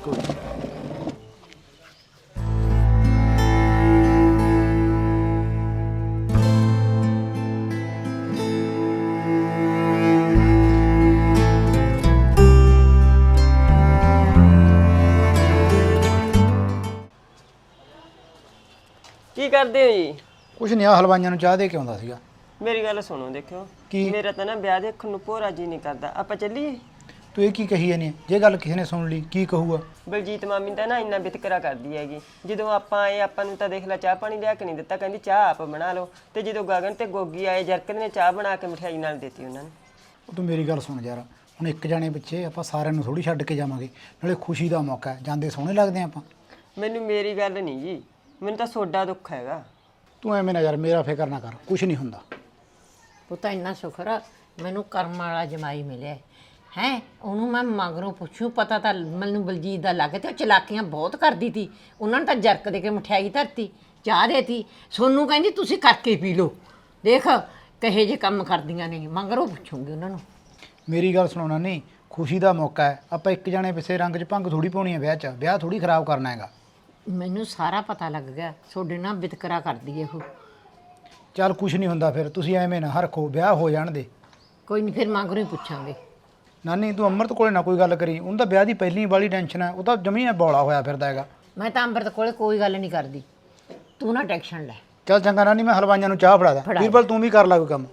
D: ਕੀ ਕਰਦੇ ਹੋ ਜੀ?
E: ਕੁਛ ਨਹੀਂ, ਆ ਹਲਵਾਈਆਂ ਨੂੰ ਚਾਹ ਦੇ ਕੇ ਆਉਂਦਾ ਸੀਗਾ।
D: ਮੇਰੀ ਗੱਲ ਸੁਣੋ, ਦੇਖਿਓ
E: ਕੀ?
D: ਮੇਰਾ ਤਾਂ ਨਾ ਵਿਆਹ ਦੇਖਣ ਨੂੰ ਭੋਰਾ ਜੀ ਨਹੀਂ ਕਰਦਾ। ਆਪਾਂ ਚੱਲੀਏ?
E: ਤੂੰ ਇਹ ਕੀ ਕਹੀ ਜਾਂਦੀ ਹੈ? ਜੇ ਗੱਲ ਕਿਸੇ ਨੇ ਸੁਣ ਲਈ ਕੀ ਕਹੂਗਾ?
D: ਬਲਜੀਤ ਮਾਮੀ ਤਾਂ ਨਾ ਇੰਨਾ ਵਿਤਕਰਾ ਕਰਦੀ ਹੈਗੀ। ਜਦੋਂ ਆਪਾਂ ਆਏ ਆਪਾਂ ਨੂੰ ਤਾਂ ਦੇਖ ਲੈ ਚਾਹ ਪਾਣੀ ਲਿਆ ਕੇ ਨਹੀਂ ਦਿੱਤਾ, ਕਹਿੰਦੀ ਚਾਹ ਆਪ ਬਣਾ ਲਓ। ਤੇ ਜਦੋਂ ਗਗਨ ਤੇ ਗੋਗੀ ਆਏ ਜਰਕਤ ਨੇ ਚਾਹ ਬਣਾ ਕੇ ਮਠਿਆਈ ਨਾਲ ਦਿੱਤੀ ਉਹਨਾਂ ਨੂੰ।
E: ਉਹ ਤੂੰ ਮੇਰੀ ਗੱਲ ਸੁਣ ਯਾਰ, ਹੁਣ ਇੱਕ ਜਾਣੇ ਪਿੱਛੇ ਆਪਾਂ ਸਾਰਿਆਂ ਨੂੰ ਥੋੜੀ ਛੱਡ ਕੇ ਜਾਵਾਂਗੇ। ਨਾਲੇ ਖੁਸ਼ੀ ਦਾ ਮੌਕਾ ਹੈ, ਜਾਂਦੇ ਸੋਹਣੇ ਲੱਗਦੇ ਆਪਾਂ।
D: ਮੈਨੂੰ ਮੇਰੀ ਗੱਲ ਨਹੀਂ ਜੀ, ਮੈਨੂੰ ਤਾਂ ਸੋਡਾ ਦੁੱਖ ਹੈਗਾ।
E: ਤੂੰ ਐਵੇਂ ਨਾ ਯਾਰ ਮੇਰਾ ਫਿਕਰ ਨਾ ਕਰ, ਕੁਛ ਨਹੀਂ ਹੁੰਦਾ।
C: ਪੁੱਤ ਇੰਨਾ ਸ਼ੁਕਰ ਆ ਮੈਨੂੰ ਕਰਮ ਵਾਲਾ ਜਮਾਈ ਮਿਲਿਆ ਹੈ। ਉਹਨੂੰ ਮੈਂ ਮਗਰੋਂ ਪੁੱਛੂ, ਪਤਾ ਤਾਂ ਮੈਨੂੰ ਬਲਜੀਤ ਦਾ ਲੱਗ ਤੇ ਉਹ ਚਲਾਕੀਆਂ ਬਹੁਤ ਕਰਦੀ ਤੀ। ਉਹਨਾਂ ਨੇ ਤਾਂ ਜਰਕ ਦੇ ਕੇ ਮਠਿਆਈ ਧਰਤੀ, ਚਾਹ ਦੇਤੀ। ਸੋਨੂੰ ਕਹਿੰਦੀ ਤੁਸੀਂ ਕਰਕੇ ਪੀ ਲਓ। ਦੇਖ ਕਹੇ ਜੇ ਕੰਮ ਕਰਦੀਆਂ ਨੇ, ਮਗਰੋਂ ਪੁੱਛੂਗੀ ਉਹਨਾਂ ਨੂੰ।
E: ਮੇਰੀ ਗੱਲ ਸੁਣਾਉਣਾ ਨਹੀਂ, ਖੁਸ਼ੀ ਦਾ ਮੌਕਾ ਹੈ। ਆਪਾਂ ਇੱਕ ਜਾਣੇ ਪਿੱਛੇ ਰੰਗ 'ਚ ਭੰਗ ਥੋੜੀ ਪਾਉਣੀ ਹੈ ਵਿਆਹ 'ਚ। ਵਿਆਹ ਥੋੜੀ ਖਰਾਬ ਕਰਨਾ ਹੈਗਾ।
C: ਮੈਨੂੰ ਸਾਰਾ ਪਤਾ ਲੱਗ ਗਿਆ, ਤੁਹਾਡੇ ਨਾਲ ਵਿਤਕਰਾ ਕਰਦੀ ਹੈ ਉਹ।
E: ਚੱਲ ਕੁਛ ਨਹੀਂ ਹੁੰਦਾ, ਫਿਰ ਤੁਸੀਂ ਐਵੇਂ ਨਾ ਹਰਖੋ, ਵਿਆਹ ਹੋ ਜਾਣ ਦੇ।
C: ਕੋਈ ਨਹੀਂ ਫਿਰ ਮਗਰੋਂ ਹੀ ਪੁੱਛਾਂਗੇ।
E: ਨਾਨੀ ਤੂੰ ਅੰਮ੍ਰਿਤ ਕੋਲੇ ਨਾ ਕੋਈ ਗੱਲ ਕਰੀ, ਉਹਨੂੰ ਤਾਂ ਵਿਆਹ ਦੀ ਪਹਿਲੀ ਵਾਲੀ ਟੈਨਸ਼ਨ ਹੈ। ਉਹ ਤਾਂ ਜਮੀ ਬੌਲਾ ਹੋਇਆ ਫਿਰਦਾ ਹੈਗਾ।
C: ਮੈਂ ਤਾਂ ਅੰਮ੍ਰਿਤ ਕੋਲੇ ਕੋਈ ਗੱਲ ਨਹੀਂ ਕਰਦੀ, ਤੂੰ ਨਾ ਟੈਨਸ਼ਨ ਲੈ।
E: ਚੱਲ ਚੰਗਾ ਨਾਨੀ, ਮੈਂ ਹਲਵਾਈਆਂ ਨੂੰ ਚਾਹ ਫੜਾ ਦਾਂ।
C: ਫੜਾ।
E: ਵੀਰਬਲ ਤੂੰ ਵੀ ਕਰ ਲਾ ਕੋਈ ਕੰਮ।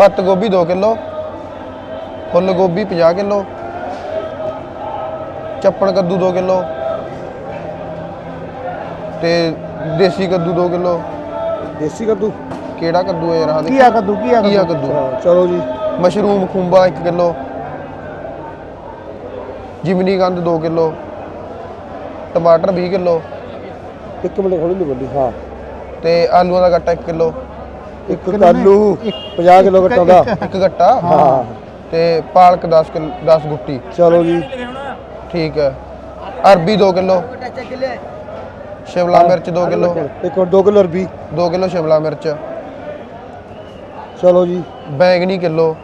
F: ਪੱਤ ਗੋਭੀ ਦੋ ਕਿਲੋ, ਫੁੱਲ ਗੋਭੀ ਪੰਜਾਹ ਕਿਲੋ, ਚੱਪਣ ਕੱਦੂ ਦੋ ਕਿਲੋ ਤੇ ਦੇਸੀ ਕੱਦੂ ਦੋ ਕਿਲੋ।
E: ਦੇਸੀ ਕੱਦੂ
F: ਕਿਹੜਾ ਕੱਦੂ ਹੈ ਯਾਰ? ਆਹ
E: ਕੀ ਆ ਕੱਦੂ ਕੀ ਆ
F: ਘੀਆ ਕੱਦੂ।
E: ਚਲੋ ਜੀ।
F: ਮਸ਼ਰੂਮ ਖੁੰਬਾ ਇੱਕ ਕਿਲੋ, ਜਿਮਨੀ ਗੰਦ ਦੋ ਕਿਲੋ, ਟਮਾਟਰ ਵੀਹ ਕਿਲੋ।
E: ਇੱਕ ਮਿੰਟ ਖੋਲੀ ਨਹੀਂ ਬੰਦੀ। ਹਾਂ
F: ਤੇ ਆਲੂਆਂ ਦਾ ਗੱਟਾ ਇੱਕ ਕਿਲੋ।
E: ਇੱਕ ਆਲੂ ਪੰਜਾਹ ਕਿਲੋ ਗੱਟਾ ਦਾ
F: ਇੱਕ ਗੱਟਾ। ਹਾਂ ਤੇ ਪਾਲਕ ਦਸ ਕਿਲੋ ਦਸ ਗੁੱਟੀ।
E: ਚਲੋ ਜੀ
F: ਠੀਕ ਹੈ। ਅਰਬੀ ਦੋ ਕਿਲੋ, ਸ਼ਿਮਲਾ ਮਿਰਚ ਦੋ ਕਿਲੋ,
E: ਇੱਕ ਦੋ ਕਿਲੋ ਅਰਬੀ,
F: ਦੋ ਕਿਲੋ ਸ਼ਿਮਲਾ ਮਿਰਚ।
E: ਚਲੋ ਜੀ।
F: ਬੈਂਗਣੀ ਕਿਲੋ,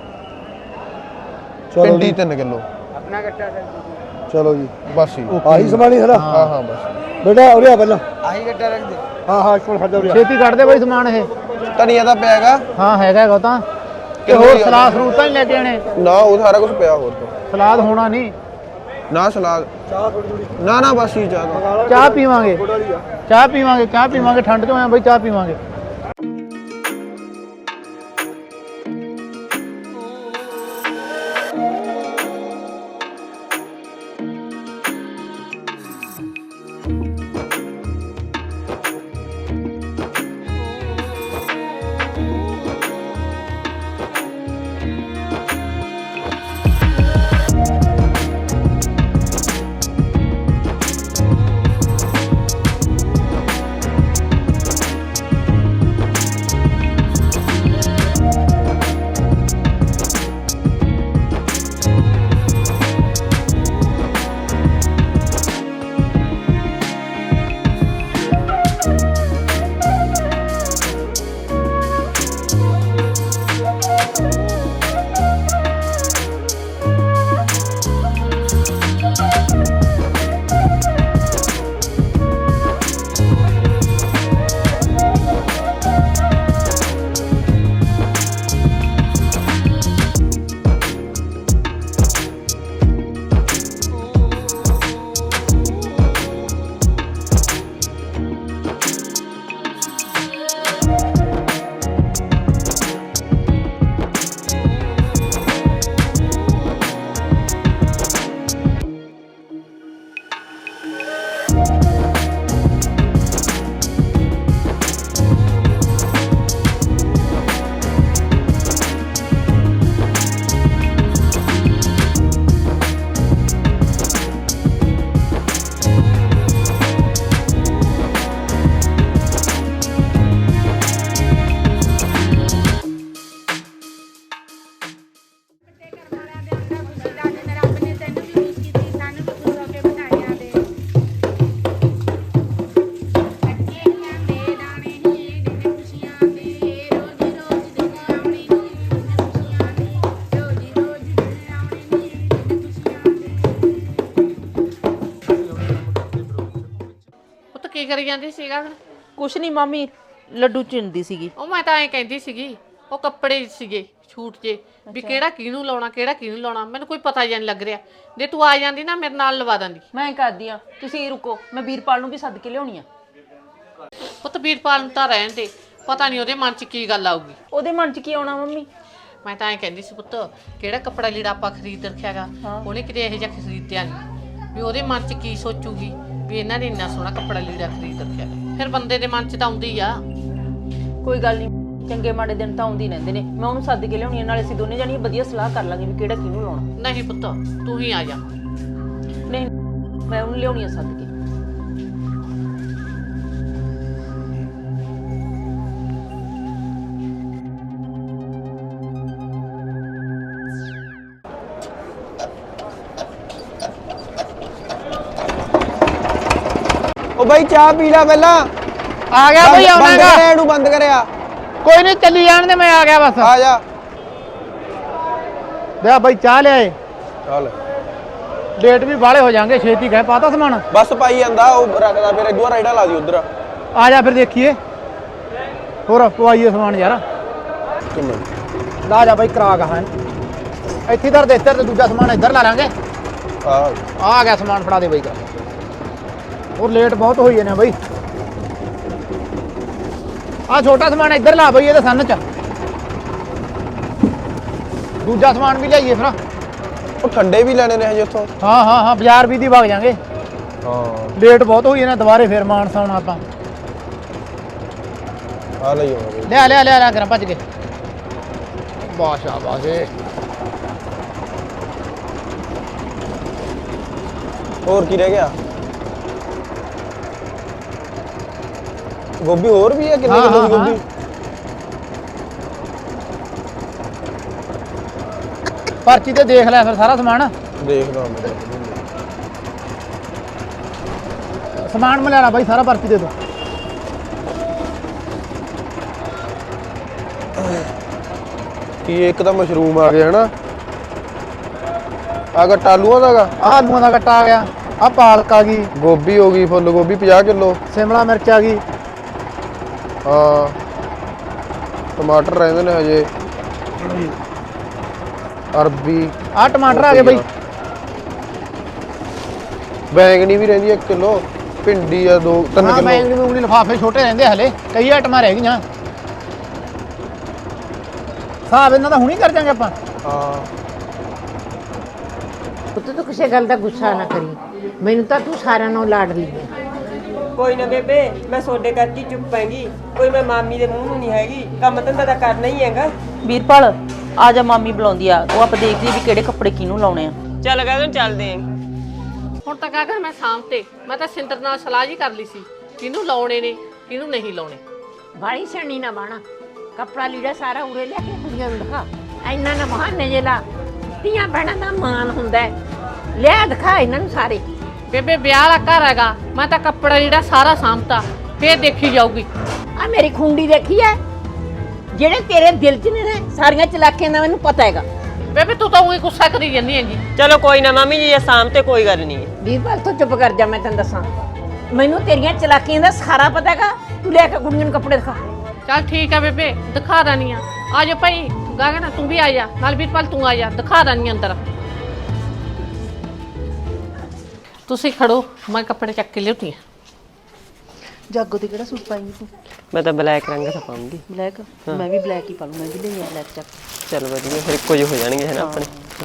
F: ਭਿੰਡੀ ਤਿੰਨ ਕਿਲੋ।
E: ਚਲੋ ਜੀ
F: ਬਸ ਜੀ।
E: ਆਹੀ ਸਮਾਨ ਹੀ ਸਾਰਾ?
F: ਹਾਂ ਹਾਂ ਬਸ
E: ਬੇਟਾ ਉਰੇ ਆ ਪਹਿਲਾਂ ਆਹੀ ਗੱਟਾ ਰੱਖ ਦੇ। ਹਾਂ ਹਾਂ ਕੋਲ ਖੜ ਜਾ ਉਰੇ। ਛੇਤੀ ਕੱਢ ਦੇ ਬਈ ਸਮਾਨ ਇਹ।
F: ਧਨੀਆ ਤਾਂ ਪਿਆ ਹੈਗਾ?
E: ਹਾਂ ਹੈਗਾ ਹੈਗਾ ਤਾਂ। ਤੇ ਹੋਰ ਸਲਾਦ ਸਰੂਤ ਤਾਂ ਨਹੀਂ ਲੈ ਕੇ ਆਣੇ?
F: ਨਾ ਉਹ ਸਾਰਾ ਕੁਝ ਪਿਆ ਹੋਰ ਤਾਂ।
E: ਸਲਾਦ ਹੋਣਾ ਨਹੀਂ
F: ਨਾ ਸਲਾਦ ਚਾਹ ਥੋੜੀ ਥੋੜੀ ਨਾ ਨਾ ਬਸ ਹੀ ਚਾਹ।
E: ਚਾਹ ਪੀਵਾਂਗੇ ਚਾਹ ਪੀਵਾਂਗੇ ਚਾਹ ਪੀਵਾਂਗੇ ਠੰਡ ਚ ਹੋਇਆ ਬਈ ਚਾਹ ਪੀਵਾਂਗੇ।
B: ਕੀ ਕਰੀ ਜਾਂਦੀ ਸੀਗਾ?
A: ਕੁਛ ਨਹੀਂ ਮਾਮੀ, ਲੱਡੂ ਚਿੰਦੀ ਸੀਗੀ।
B: ਉਹ ਮੈਂ ਤਾਂ ਐਂ ਕਹਿੰਦੀ ਸੀਗੀ, ਉਹ ਕੱਪੜੇ ਸੀਗੇ ਛੂਟ ਜੇ ਵੀ ਕਿਹੜਾ ਕਿਹਨੂੰ ਲਾਉਣਾ ਕਿਹੜਾ ਕਿਹਨੂੰ ਲਾਉਣਾ, ਮੈਨੂੰ ਕੋਈ ਪਤਾ ਹੀ ਨਹੀਂ ਲੱਗ ਰਿਹਾ। ਜੇ ਤੂੰ ਆ ਜਾਂਦੀ ਨਾ ਮੇਰੇ ਨਾਲ ਲਵਾ ਦਿੰਦੀ।
A: ਮੈਂ ਕਰਦੀ ਆ, ਤੁਸੀਂ ਰੁਕੋ, ਮੈਂ ਵੀਰਪਾਲ ਨੂੰ ਵੀ ਸੱਦ ਕੇ ਲਿਆਉਣੀ ਆ।
B: ਪੁੱਤ ਵੀਰਪਾਲ ਨੂੰ ਤਾਂ ਰਹਿਣ ਦੇ, ਪਤਾ ਨਹੀਂ ਉਹਦੇ ਮਨ 'ਚ ਕੀ ਗੱਲ ਆਊਗੀ।
A: ਉਹਦੇ ਮਨ 'ਚ ਕੀ ਆਉਣਾ ਮੰਮੀ?
B: ਮੈਂ ਤਾਂ ਐਂ ਕਹਿੰਦੀ ਸੀ ਪੁੱਤ, ਕਿਹੜਾ ਕੱਪੜਾ ਲੀੜਾ ਆਪਾਂ ਖਰੀਦ ਰੱਖਿਆਗਾ, ਉਹਨੇ ਕਿਤੇ ਇਹੋ ਜਿਹਾ ਖਰੀਦਿਆ ਨਹੀਂ ਵੀ ਉਹਦੇ ਮਨ 'ਚ ਕੀ ਸੋਚੂਗੀ ਵੀ ਇਹਨਾਂ ਨੇ ਇੰਨਾ ਸੋਹਣਾ ਕੱਪੜਾ ਲੀੜਾ ਖਰੀਦ ਰੱਖਿਆ। ਫਿਰ ਬੰਦੇ ਦੇ ਮਨ 'ਚ ਤਾਂ ਆਉਂਦੀ ਆ।
A: ਕੋਈ ਗੱਲ ਨਹੀਂ, ਚੰਗੇ ਮਾੜੇ ਦਿਨ ਤਾਂ ਆਉਂਦੇ ਰਹਿੰਦੇ ਨੇ। ਮੈਂ ਉਹਨੂੰ ਸੱਦ ਕੇ ਲਿਆਉਣੀ ਆ, ਨਾਲੇ ਅਸੀਂ ਦੋਨੇ ਜਾਣੀਆਂ ਵਧੀਆ ਸਲਾਹ ਕਰ ਲਾਂਗੇ ਵੀ ਕਿਹੜਾ ਕਿਹਨੂੰ ਲਾਉਣਾ।
B: ਨਹੀਂ ਪੁੱਤ ਤੂੰ ਹੀ ਆ ਜਾ।
A: ਨਹੀਂ ਮੈਂ ਉਹਨੂੰ ਲਿਆਉਣੀ ਆ ਸੱਦ ਕੇ।
F: ਉਹ ਬਾਈ ਚਾਹ ਪੀ ਲੈ ਪਹਿਲਾਂ।
E: ਆ ਗਿਆ ਬਈ, ਆਉਣਾਗਾ।
F: ਇਹਨੂੰ ਬੰਦ ਕਰਿਆ।
E: ਕੋਈ ਨਹੀਂ ਚੱਲੀ ਜਾਣ ਦੇ, ਮੈਂ ਆ ਗਿਆ ਬਸ।
F: ਆ ਜਾ
E: ਲਿਆ ਬਈ ਚਾਹ ਲਿਆਏ।
F: ਚੱਲ
E: ਲੇਟ ਵੀ ਬਾਲੇ ਹੋ ਜਾਣਗੇ, ਛੇਤੀ ਕਹਿ ਪਾਤਾ ਸਮਾਨ।
F: ਬਸ ਪਾਈ ਜਾਂਦਾ ਉਹ ਰੱਖਦਾ, ਫਿਰ ਇਦੋਂ ਰਾਈਡਾ ਲਾ ਦੀ ਉਧਰ।
E: ਆ ਜਾ ਫਿਰ ਦੇਖੀਏ, ਹੋਰ ਪਵਾਈਏ ਸਮਾਨ ਯਾਰ।
F: ਕਿੰਨੇ
E: ਲਾ ਜਾ ਬਈ ਕਰਾ ਗਾ ਹੈ ਇੱਥੇ ਦਰ ਦੇ ਇੱਧਰ ਤੇ ਦੂਜਾ ਸਮਾਨ ਇੱਧਰ ਲਾ ਲਾਂਗੇ।
F: ਆ
E: ਆ ਗਿਆ ਸਮਾਨ, ਫੜਾ ਦੇ ਬਈ ਕਰ। ਹੋਰ ਲੇਟ ਬਹੁਤ ਹੋਈ ਨੇ ਬਈ। ਆ ਛੋਟਾ ਸਮਾਨ ਇੱਧਰ ਲਾ ਬਈ, ਇਹਦੇ ਸੰਨ ਚ। ਦੂਜਾ ਸਮਾਨ ਵੀ ਲਿਆਈਏ ਫਿਰ।
G: ਉਹ ਠੰਡੇ ਵੀ ਲੈਣੇ ਨੇ ਹਜੇ ਉੱਥੋਂ।
E: ਹਾਂ ਹਾਂ ਹਾਂ ਬਾਜ਼ਾਰ ਵੀ ਦੀ ਵਗ ਜਾਾਂਗੇ।
G: ਹਾਂ
E: ਲੇਟ ਬਹੁਤ ਹੋਈ ਨਾ ਦੁਬਾਰੇ ਫੇਰ ਮਾਨਸਾ ਆਉਣਾ ਆਪਾਂ।
G: ਆ ਲਈ ਆਵਾਂਗੇ।
E: ਲਿਆ ਲਿਆ ਲਿਆ ਲਿਆ ਕਰਾਂ ਭੱਜ ਕੇ। ਬਾਸ਼ਾ ਬਾਸ਼ੇ
G: ਹੋਰ ਕੀ ਰਹਿ ਗਿਆ? ਗੋਭੀ ਹੋਰ ਵੀ ਹੈ? ਕਿੰਨੇ ਕਿਲੋ ਦੀ ਗੋਭੀ?
E: ਪਰਚੀ ਤੇ ਦੇਖ ਲੈ ਫਿਰ ਸਾਰਾ ਸਮਾਨ।
G: ਦੇਖਦਾ ਮੈਂ।
E: ਸਮਾਨ ਮੈਂ ਲੈਣਾ ਬਾਈ ਸਾਰਾ ਪਰਚੀ ਦੇ ਦੋ।
G: ਕੀ ਇੱਕ ਤਾਂ ਮਸ਼ਰੂਮ ਆ ਗਿਆ ਹਨਾ, ਆ ਗੱਟਾ ਆਲੂਆਂ ਦਾ ਗਾ,
E: ਆਹ ਆਲੂਆਂ ਦਾ ਕੱਟਾ ਆ ਗਿਆ, ਆਹ ਪਾਲਕ ਆ ਗਈ,
G: ਗੋਭੀ ਹੋ ਗਈ ਫੁੱਲ ਗੋਭੀ ਪੰਜਾਹ ਕਿਲੋ,
E: ਸ਼ਿਮਲਾ ਮਿਰਚ ਆ ਗਈ,
G: ਹਾਂ ਟਮਾਟਰ ਰਹਿੰਦੇ ਨੇ ਹਜੇ, ਅਰਬੀ,
E: ਆਹ ਟਮਾਟਰ ਆ ਗਏ ਬਾਈ,
G: ਬੈਂਗਣੀ ਵੀ ਰਹਿੰਦੀ ਇੱਕ ਕਿਲੋ, ਭਿੰਡੀ ਆ ਦੋ ਤਿੰਨ
E: ਹਾਂ
G: ਕਿਲੋ।
E: ਬੈਂਗਣੀ ਬੂੰਗਣੀ ਲਿਫਾਫੇ ਛੋਟੇ ਰਹਿੰਦੇ ਹਲੇ, ਕਈ ਆਈਟਮਾਂ ਰਹਿ ਗਈਆਂ। ਹਿਸਾਬ ਇਹਨਾਂ ਦਾ ਹੁਣੀ ਕਰ ਜਾਂਗੇ ਆਪਾਂ।
G: ਹਾਂ
C: ਪੁੱਤ ਤੂੰ ਕਿਸੇ ਗੱਲ ਦਾ ਗੁੱਸਾ ਨਾ ਕਰੀ, ਮੈਨੂੰ ਤਾਂ ਤੂੰ ਸਾਰਿਆਂ ਨੂੰ ਲਾਡ ਲਈ ਹੈ।
D: ਕੋਈ ਨਾ ਬੇਬੇ, ਮੈਂ ਸੋਡੇ ਕਰਕੇ ਚੁੱਪ ਪੈਂਗੀ। ਕੋਈ ਮੈਂ ਮਾਮੀ ਦੇ ਮੂੰਹ ਨੂੰ ਨਹੀਂ ਹੈਗੀ, ਕੰਮ ਧੰਦਾ ਤਾਂ ਕਰਨਾ ਹੀ ਹੈਗਾ।
A: ਵੀਰਪਾਲ ਆ ਜਾ, ਮਾਮੀ ਬੁਲਾਉਂਦੀ ਆ, ਉਹ ਆਪਾਂ ਦੇਖ ਲਈ ਵੀ ਕਿਹੜੇ ਕੱਪੜੇ ਕਿਹਨੂੰ ਲਾਉਣੇ ਆ।
D: ਚੱਲ ਗਗਨ ਚੱਲਦੇ ਆਂ।
B: ਹੁਣ ਤਾਂ ਗਗਨ ਮੈਂ ਸ਼ਾਮ ਤੇ ਮੈਂ ਤਾਂ ਸਿੰਦਰ ਨਾਲ ਸਲਾਹ ਜੀ ਕਰ ਲਈ ਸੀ ਕਿਹਨੂੰ ਲਾਉਣੇ ਨੇ ਕਿਹਨੂੰ ਨਹੀਂ ਲਾਉਣੇ।
C: ਬਾੜੀ ਸਣੀ ਨਾ ਬਾਣਾ, ਕੱਪੜਾ ਲੀੜਾ ਸਾਰਾ ਉਰੇ ਲੈ ਕੇ ਕੁੜੀਆਂ ਨੂੰ ਦਿਖਾ। ਇੰਨਾ ਨਾ ਬਹਾਨੇ ਜੇ ਲਾ, ਧੀਆਂ ਭੈਣਾਂ ਦਾ ਮਾਣ ਹੁੰਦਾ ਹੈ। ਲਿਆ ਦਿਖਾ ਇਹਨਾਂ ਨੂੰ ਸਾਰੇ।
B: ਬੇਬੇ ਵਿਆਹ ਵਾਲਾ ਘਰ ਹੈਗਾ, ਮੈਂ ਤਾਂ ਕੱਪੜਾ ਜਿਹੜਾ ਸਾਰਾ ਸਾਂਭਤਾ, ਫੇਰ ਦੇਖੀ ਜਾਊਗੀ।
C: ਆ ਮੇਰੀ ਖੁੰਡੀ ਦੇਖੀ ਐ, ਜਿਹੜੇ ਤੇਰੇ ਦਿਲ 'ਚ ਨੇ ਨਾ ਸਾਰੀਆਂ ਚਲਾਕੀਆਂ ਦਾ ਮੈਨੂੰ ਪਤਾ ਹੈਗਾ।
B: ਬੇਬੇ ਤੂੰ ਤਾਂ ਉਹੀ ਗੁੱਸਾ ਕਰੀ ਜਾਂਦੀ ਹੈਗੀ।
D: ਚਲੋ ਕੋਈ ਨਾ ਮਾਮੀ ਜੀ, ਇਹ ਸ਼ਾਮ ਤੇ ਕੋਈ ਗੱਲ ਨਹੀਂ ਹੈ।
C: ਵੀਰਪਾਲ ਤੂੰ ਚੁੱਪ ਕਰ ਜਾ, ਮੈਂ ਤੈਨੂੰ ਦੱਸਾਂ, ਮੈਨੂੰ ਤੇਰੀਆਂ ਚਲਾਕੀਆਂ ਦਾ ਸਾਰਾ ਪਤਾ ਹੈਗਾ। ਤੂੰ ਲੈ ਕੇ ਕੁੜੀਆਂ ਨੂੰ ਕੱਪੜੇ ਦਿਖਾ।
B: ਚੱਲ ਠੀਕ ਆ ਬੇਬੇ, ਦਿਖਾ ਦਾਨੀ ਆ। ਆ ਜਾ ਭਾਈ ਗਗਨ ਤੂੰ ਵੀ ਆ ਜਾ ਨਾਲ, ਵੀਰਪਾਲ ਤੂੰ ਆ ਜਾ, ਦਿਖਾ ਦਾਨੀ ਅੰਦਰ। ਤੁਸੀਂ ਖੜੋ, ਮੈਂ ਕੱਪੜੇ ਚੱਕ ਕੇ ਲਿਆਉਂਦੀ ਆ।
A: ਜਾਗੋ ਤੇ ਕਿਹੜਾ ਸੂਟ ਪਾਏਂਗੀ ਤੂੰ?
D: ਮੈਂ ਤਾਂ ਬਲੈਕ ਰੰਗ ਦਾ ਪਾਉਂਗੀ।
A: ਬਲੈਕ? ਮੈਂ ਵੀ ਬਲੈਕ ਹੀ ਪਾ ਲੂੰ, ਮੈਂ ਵੀ ਲਈ ਆ ਬਲੈਕ ਚੱਕ।
D: ਚਲ ਵਧੀਆ, ਫਿਰ ਇੱਕੋ ਜਿਹੇ ਹੋ ਜਾਣਗੇ ਹੈ ਨਾ ਆਪਣੇ।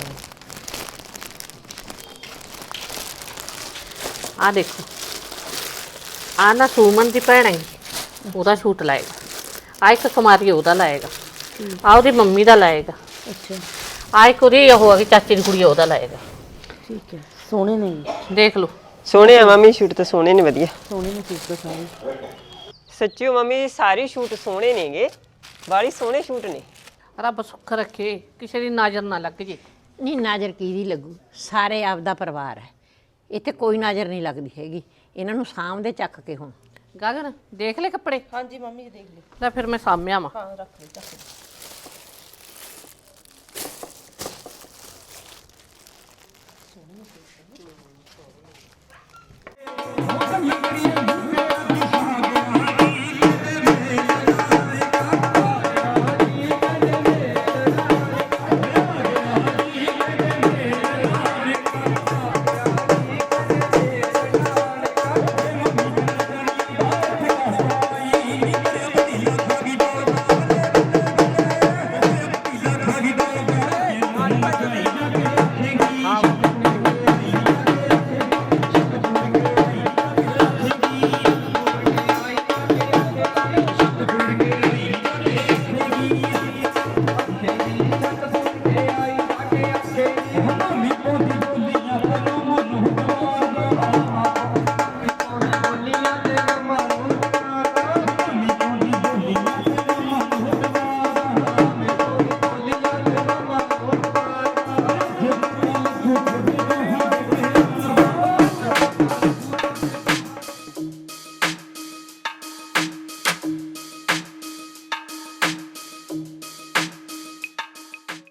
B: ਆ ਦੇਖੋ, ਆ ਨਾ ਸੁਮਨ ਦੀ ਭੈਣ ਹੈ, ਉਹਦਾ ਸੂਟ ਲਾਏਗਾ। ਆ ਇੱਕ ਕੁਮਾਰੀ ਉਹਦਾ ਲਾਏਗਾ। ਆ ਉਹਦੀ ਮੰਮੀ ਦਾ ਲਾਏਗਾ।
A: ਅੱਛਾ
B: ਆ ਇੱਕ ਉਹਦੀ ਉਹ ਆ ਕਿ ਚਾਚੇ ਦੀ ਕੁੜੀ ਆ, ਉਹਦਾ ਲਾਏਗਾ।
A: ਠੀਕ ਹੈ, ਸੋਹਣੇ ਨੇ,
B: ਦੇਖ ਲਓ।
D: ਸੋਹਣੇ ਆ ਮਾਮੀ, ਸ਼ੂਟ ਤਾਂ ਸੋਹਣੇ ਨੇ, ਵਧੀਆ
A: ਸੋਹਣੇ ਨੇ ਸੂਟ ਤਾਂ ਸਾਰੇ।
D: ਸੱਚੀ ਮਾਮੀ, ਸਾਰੇ ਸ਼ੂਟ ਸੋਹਣੇ ਨੇਗੇ, ਬਾਲੀ ਸੋਹਣੇ ਸ਼ੂਟ ਨੇ।
B: ਰੱਬ ਸੁੱਖ ਰੱਖੇ, ਕਿਸੇ ਦੀ ਨਜ਼ਰ ਨਾ ਲੱਗ ਜੇ।
C: ਨਹੀਂ ਨਜ਼ਰ ਕਿਹਦੀ ਲੱਗੂ, ਸਾਰੇ ਆਪਦਾ ਪਰਿਵਾਰ ਹੈ, ਇੱਥੇ ਕੋਈ ਨਜ਼ਰ ਨਹੀਂ ਲੱਗਦੀ ਹੈਗੀ। ਇਹਨਾਂ ਨੂੰ ਸਾਂਭਦੇ ਚੱਕ ਕੇ ਹੁਣ।
B: ਗਗਨ ਦੇਖ ਲੈ ਕੱਪੜੇ।
A: ਹਾਂਜੀ ਮੰਮੀ ਜੀ ਦੇਖ ਲੈ।
B: ਲੈ ਫਿਰ ਮੈਂ ਸਾਂਭਿਆ ਵਾਂ।
A: ਹਾਂ ਰੱਖ ਲੈ, ਚੱਕ ਲੈ।